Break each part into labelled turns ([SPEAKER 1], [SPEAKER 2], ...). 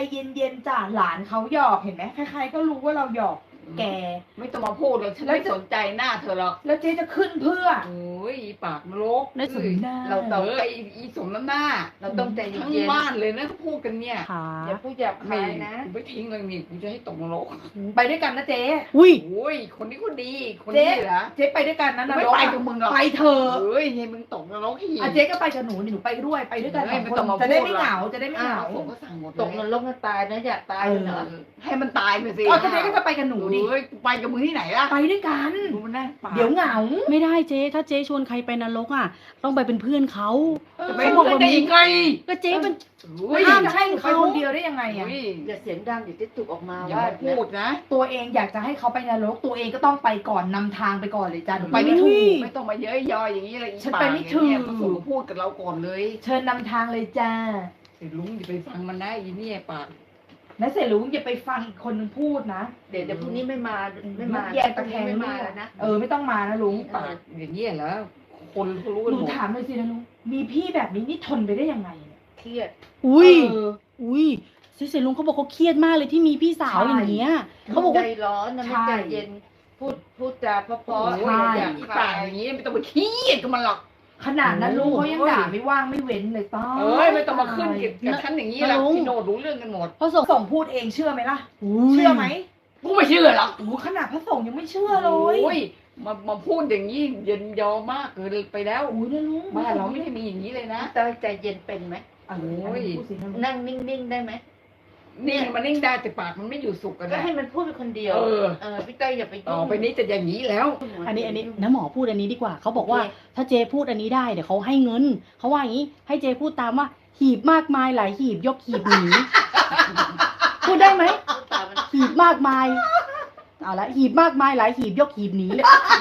[SPEAKER 1] เย็นๆจ้ะหลานเขาหยอกเห็นไหมใครๆก็รู้ว่าเราหยอกแก
[SPEAKER 2] ไม่ต้องมาพูดเลยฉันไม่สนใจหน้าเธอหรอก
[SPEAKER 1] แล้วเจ๊จะขึ้นเพื่อ
[SPEAKER 2] โอ้ยปากนรก
[SPEAKER 3] ได้สมหน้า
[SPEAKER 2] เราต้องอีสมน้ำหน้า
[SPEAKER 4] เราต้องใจ
[SPEAKER 2] ทั้ง
[SPEAKER 4] เย็น
[SPEAKER 2] บ้านเลยนะเขาพูดกันเนี่ย
[SPEAKER 3] ค่ะ
[SPEAKER 4] ๆอย่าพูดหยาบ
[SPEAKER 2] ไม่
[SPEAKER 4] คายนะ
[SPEAKER 2] กูไม่ทิ้งเลยนี่กูจะให้ตกนรก
[SPEAKER 1] ไปด้วยกันนะเจ๊
[SPEAKER 3] อุ้ย
[SPEAKER 2] โอ้ยคนนี้ก็ดีคน
[SPEAKER 1] เจ๊
[SPEAKER 2] นี้เหรอ
[SPEAKER 1] เจ๊ไปด้วยกันนะน
[SPEAKER 2] ไม่
[SPEAKER 1] รก
[SPEAKER 2] ไป
[SPEAKER 1] อะ
[SPEAKER 2] กับมึงหรอก
[SPEAKER 1] ไปเถอะ
[SPEAKER 2] เฮ้ยให้มึงตกนรกอีก
[SPEAKER 1] อ่ะเจ๊ก็ไปกับหนูนี่หนูไปด้วยไปด้วยกัน
[SPEAKER 2] เฮ้
[SPEAKER 1] ส
[SPEAKER 2] ย
[SPEAKER 1] อง
[SPEAKER 2] ไม่
[SPEAKER 1] ค
[SPEAKER 2] ต้อง
[SPEAKER 1] น
[SPEAKER 2] มา
[SPEAKER 1] จะได้
[SPEAKER 2] พูด
[SPEAKER 1] ไม่
[SPEAKER 2] หรอก
[SPEAKER 1] เหงาจะได้ไม่
[SPEAKER 2] อ้า
[SPEAKER 1] เห
[SPEAKER 2] ว
[SPEAKER 1] งา
[SPEAKER 2] ผมก็สั่งหมด
[SPEAKER 4] ตกนรกก็ตายนะอยากตายเหรอ
[SPEAKER 2] ให้มันตายไปสิ
[SPEAKER 1] เอาเจ๊ก็จะไปกับหนูดิ
[SPEAKER 2] เฮ้ยกูไปกับมึงที่ไหนล่ะ
[SPEAKER 1] ไปด้วยกัน
[SPEAKER 2] ดูมันนั่งปาก
[SPEAKER 1] เดี๋ยวเหงา
[SPEAKER 3] ไม่ได้เจ๊ถ้าเจ๊ชวนใครไปนรกอ่ะ ต้องไปเป็นเพื่อนเขา
[SPEAKER 2] จะไปบอกได้ยังไง
[SPEAKER 3] ก็เจ๊เป็น
[SPEAKER 2] เฮ้ย
[SPEAKER 1] ห้ามจะให้หนูไปคนเดียวได้ยังไงอ่ะ
[SPEAKER 2] เฮ้ย
[SPEAKER 4] อย่าเสียงดังเดี๋ยวจะตุกออกมา
[SPEAKER 2] อย่า
[SPEAKER 4] ว่า
[SPEAKER 2] มาพูดนะ
[SPEAKER 1] ตัวเองอยากจะให้เขาไปนรกตัวเองก็ต้องไปก่อนนำทางไปก่อนเลยจ้ะหนูไปไม่ถูก
[SPEAKER 2] ไม่ต้องมาเย้ยยอยอย่างนี้เลย
[SPEAKER 1] ฉันไปไม่ถูก
[SPEAKER 2] พระสงฆ์พูดกับเราก่อนเลย
[SPEAKER 1] เชิญนำทางเลยจ้า
[SPEAKER 2] ไอ้ลุงอย่าไปฟังมันนะอีเนี่ยปาก
[SPEAKER 1] และเสร็จลุงอย่าไปฟังอีกคนนึงพูดนะ
[SPEAKER 4] เดี๋ยวพรุ่งนี้ไม่มา
[SPEAKER 1] แยกตะแคง
[SPEAKER 4] ไม่
[SPEAKER 1] ลู
[SPEAKER 4] มาก แล้วนะ
[SPEAKER 1] ไม่ต้องมานะลุง
[SPEAKER 2] ปากอย่างนี้เหรอคนเขารู้
[SPEAKER 1] ห
[SPEAKER 2] กัน
[SPEAKER 1] นู
[SPEAKER 2] หมด
[SPEAKER 1] ถามเลยสินะลุงมีพี่แบบนี้นี่ทนไปได้ยังไงเนี่ย
[SPEAKER 4] เครียด
[SPEAKER 3] อุ้ย
[SPEAKER 1] เออ
[SPEAKER 3] อุ้ยเจ๊ลุงเขาบอกเขาเครียดมากเลยที่มีพี่สาว
[SPEAKER 1] ใช่
[SPEAKER 3] อย่างเงี้ยเขาบอก
[SPEAKER 4] ใจ
[SPEAKER 3] ว่า
[SPEAKER 4] ร้อนนะไม่
[SPEAKER 1] ใช่
[SPEAKER 4] ใจเย็น พูดจาเพราะ
[SPEAKER 2] โอ้
[SPEAKER 4] ๆ
[SPEAKER 2] ย
[SPEAKER 1] ใช่
[SPEAKER 4] อยาก
[SPEAKER 2] อี
[SPEAKER 4] คา
[SPEAKER 2] ปาก
[SPEAKER 4] ย
[SPEAKER 2] อย่างนี้ไม่ต้องไปเครียดกับมันหรอก
[SPEAKER 1] ขนาดนั้นลุงเขายัง
[SPEAKER 2] โอ้ย
[SPEAKER 1] ด่าไม่ว่างไม่เว้นเลยต้อ
[SPEAKER 2] เอ้ยไม่ต้องมาขึ้นกับฉันอย่างนี้หรอกพี่โนดรู้เรื่องกันหมด
[SPEAKER 3] พระสงฆ์
[SPEAKER 1] ส่งพูดเองเชื่อไหมล่ะ
[SPEAKER 3] อุ้ย
[SPEAKER 1] เชื่อไหม
[SPEAKER 2] กูไม่เชื่อหรอก
[SPEAKER 1] โอ้โหขนาดพระสงฆ์ยังไม่เชื่อเลย
[SPEAKER 2] โอ้ยมาพูดอย่างนี้เย็นยอมากเกินไปแล้ว
[SPEAKER 1] โอ้ยนะลุง
[SPEAKER 2] บ้านเราไม่ได้มีอย่างนี้เลยนะ
[SPEAKER 4] เต้ยใจเย็นเป็นไหม
[SPEAKER 1] โอ้
[SPEAKER 2] โอ้ย
[SPEAKER 1] พูดสินะลุง
[SPEAKER 4] นั่งนิ่งๆได้ไหม
[SPEAKER 2] นี่มันนิ่งได้แต่ปากมันไม่อยู่สุขกัน
[SPEAKER 4] ก็
[SPEAKER 2] นะ
[SPEAKER 4] ให้มันพูดเป็นคนเดียว พี่เต้ยอย่าไป
[SPEAKER 2] ต่
[SPEAKER 4] ยุ่
[SPEAKER 2] อง ไปนี้จะอย่างนี้แล้ว
[SPEAKER 3] อันนี้น้าหมอพูดอันนี้ดีกว่าเขาบอกว่า
[SPEAKER 4] โอเค
[SPEAKER 3] ถ้าเจ๊พูดอันนี้ได้เดี๋ยวเขาให้เงินเขาว่าอย่างนี้ให้เจ๊พูดตามว่า หีบมากมายหลายหีบยกหีบหนี พูดได้ไหม
[SPEAKER 4] ตามมัน
[SPEAKER 3] หีบมากมายเอาละหีบมากมายหลายหีบยกหีบหนี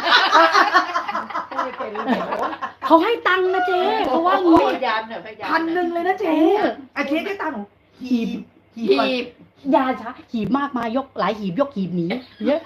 [SPEAKER 2] ไม่เป็นเลยโอ้ย
[SPEAKER 3] เขาให้ตังค์นะเจ๊เขาว่า
[SPEAKER 4] พ
[SPEAKER 3] งี้
[SPEAKER 4] ยายามหน่อยพยายาม
[SPEAKER 1] 1,000เลยนะเจ๊อาเจ๊ได้ตามหนูหีบหีบก่อน
[SPEAKER 2] หีบ
[SPEAKER 3] ยาช้าหีบมากมายยกหลายหีบยกหีบหนีเยอะ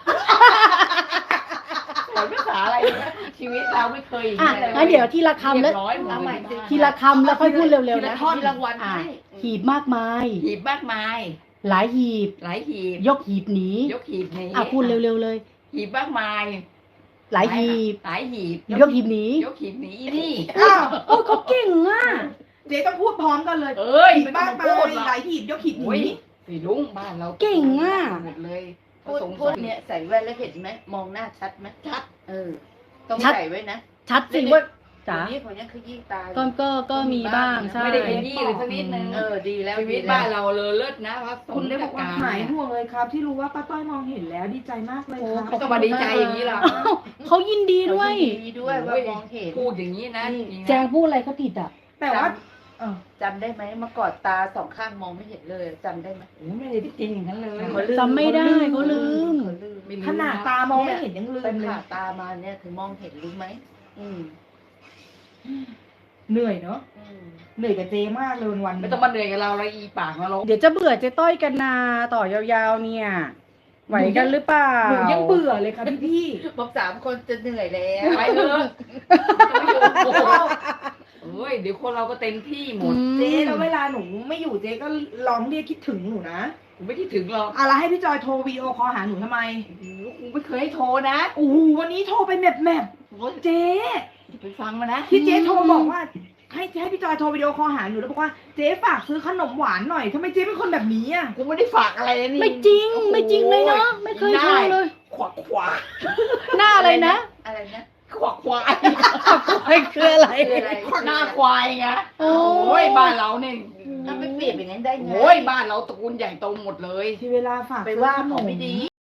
[SPEAKER 2] สอนภาษาอะไรนะชีวิตเราไม่เคย
[SPEAKER 3] อ่ะงั้นเดี๋ยวทีละคำแล้ว
[SPEAKER 2] เรียบร้อยหมด
[SPEAKER 4] เอาใหม่
[SPEAKER 2] เลย
[SPEAKER 3] ทีละคำแล้วค่อยพูดเร็วๆ
[SPEAKER 4] ที
[SPEAKER 3] นะ
[SPEAKER 4] ละท่อนมีรางวัล
[SPEAKER 3] อ่ะ
[SPEAKER 4] ให้
[SPEAKER 3] หีบมากมาย
[SPEAKER 2] หีบมากมาย
[SPEAKER 3] หลายหีบ
[SPEAKER 2] หลายหีบ
[SPEAKER 3] ยกหีบหนี
[SPEAKER 2] ยกหีบนี้
[SPEAKER 3] อ่ะพูดเร็วๆเลย
[SPEAKER 2] หีบมากมาย
[SPEAKER 3] หลายหีบ
[SPEAKER 2] หลายหีบ
[SPEAKER 3] ยกหีบหนี
[SPEAKER 2] ยกหีบหนีนี่
[SPEAKER 1] อ้าว
[SPEAKER 3] โอ้ยเขาเก่งอ่ะ
[SPEAKER 1] เจ๊ต้องพูดพร้อมกันเลย
[SPEAKER 2] เอ้ย
[SPEAKER 1] หีบ
[SPEAKER 2] ไม่ต้
[SPEAKER 1] บ้า
[SPEAKER 2] อน ง
[SPEAKER 1] ไป
[SPEAKER 2] มาพูดหรอก
[SPEAKER 1] หลายหีบยกหีบห
[SPEAKER 2] โอ้ย
[SPEAKER 1] นี
[SPEAKER 2] สีลุงบ้านเรา
[SPEAKER 3] เก่งอ่ะ
[SPEAKER 2] หมดเลย
[SPEAKER 4] พูดเนี่ยใส่แว่นแล้วเห็นไหมมองหน้าชัดไหม
[SPEAKER 2] ชัด
[SPEAKER 4] ต้อง
[SPEAKER 3] ชัด
[SPEAKER 4] ใส่ไว้นะ
[SPEAKER 3] ชัดสิว่าจ๋า
[SPEAKER 4] คนนี้ขยี้ตา
[SPEAKER 3] ก็มีบ้างใช่
[SPEAKER 2] ไม่ได้เป็นยี่เลยสักนิดนึง
[SPEAKER 4] ดีแล้ว
[SPEAKER 2] ชีวิตบ้านเราเลยเลิศนะว่า
[SPEAKER 1] คุณได้บอกว่าหายห่วงเลยครับ ที่รู้ว่าป้าต้อยมองเห็นแล้วดีใจมากเลยครับ
[SPEAKER 2] ไม่ต้องมาดีใจอย่างนี้หรอก
[SPEAKER 3] เขายินดีด้วย
[SPEAKER 4] ดีด้วยว่ามองเห็น
[SPEAKER 2] พูดอย่างนี้นะจริงๆ
[SPEAKER 3] แจ
[SPEAKER 2] นะ
[SPEAKER 3] งพูดอะไรเขาผิดอ่ะ
[SPEAKER 1] แต่ว่าเออ
[SPEAKER 4] จำได้ไหมเมื่อก่อนตาสองข้างมองไม่เห็นเลยจำได้ไหม
[SPEAKER 2] โอ้ไม่ได้จริงอย่างนั้นเลย
[SPEAKER 3] จำไม่ได้เขาลืม
[SPEAKER 4] เขาลืม
[SPEAKER 2] ไม่รู้
[SPEAKER 1] ขนาดตามองไม่เห็นยังลื
[SPEAKER 4] ไป
[SPEAKER 1] มเลย
[SPEAKER 4] ผ่าตามาเนี่ยถึงมองเห็นรู้ไหม
[SPEAKER 1] เหนื่อยเนาะ
[SPEAKER 4] อืม
[SPEAKER 1] เหนื่อยกับเจมากเลยวันๆ
[SPEAKER 2] ไม่ต้องมาเหนื่อยกับเราเลยอีปากนรก
[SPEAKER 3] เดี๋ยวจะเบื่อเจ๊ต้อยกันนาต่อยาวๆเนี่ย ไหวกันหรือเปล่า
[SPEAKER 1] หนูยังเบื่อเลยค่ะพี่
[SPEAKER 4] บอก3 คนจะเหนื่อยแล้ว
[SPEAKER 2] ไปเลยโอ้โหเอ้ยเดี๋ยวคนเราก็เต็มที่หมด
[SPEAKER 1] ๆเจ๊แล้วเวลาหนูไม่อยู่เจ๊ก็ร้องเรียกคิดถึงหนูนะ
[SPEAKER 2] กูไม่คิดถึงหรอก
[SPEAKER 1] อะไรให้พี่จอยโทรวีดีโอคอลหาหนูทำไม
[SPEAKER 2] โอ้โหกูไม่เคยให้โทรนะ
[SPEAKER 1] โอ้โหวันนี้โทรไปแมบ
[SPEAKER 2] โอ้ย
[SPEAKER 1] เจ๊
[SPEAKER 2] อย่าไปฟังมานะ
[SPEAKER 1] ที่เจ๊โทรบอกว่า ให้พี่จอยโทรวิดีโอคอลหาหนูแล้วบอกว่าเจ๊ฝากซื้อขนมหวานหน่อยทำไมเจ๊เป็นคนแบบนี้อ่ะ
[SPEAKER 2] กูไม่ได้ฝากอะไรนะนี่
[SPEAKER 3] ไม่จริงไม่จริงเลยเนาะไม่เคยโทรเลย
[SPEAKER 2] ขวักขวา
[SPEAKER 3] หน้าอะไรนะ
[SPEAKER 4] อะไรนะ
[SPEAKER 2] ขวักควาย
[SPEAKER 3] ไม่คืออะไร
[SPEAKER 4] คืออะไร
[SPEAKER 2] หน้าควายไง
[SPEAKER 3] โอ้
[SPEAKER 2] โอ้ยบ้านเราเนี่ย
[SPEAKER 4] ถ้าไม่เปรียบอย่างนั้นได้ไง
[SPEAKER 2] โอ้ยบ้านเราตระกูลใหญ่โตหมดเลย
[SPEAKER 1] ที่เวลาฝาก
[SPEAKER 4] ไป
[SPEAKER 1] ซื้อ
[SPEAKER 4] ว่า
[SPEAKER 1] ขน
[SPEAKER 4] เขา
[SPEAKER 1] ม
[SPEAKER 4] ไม่ดี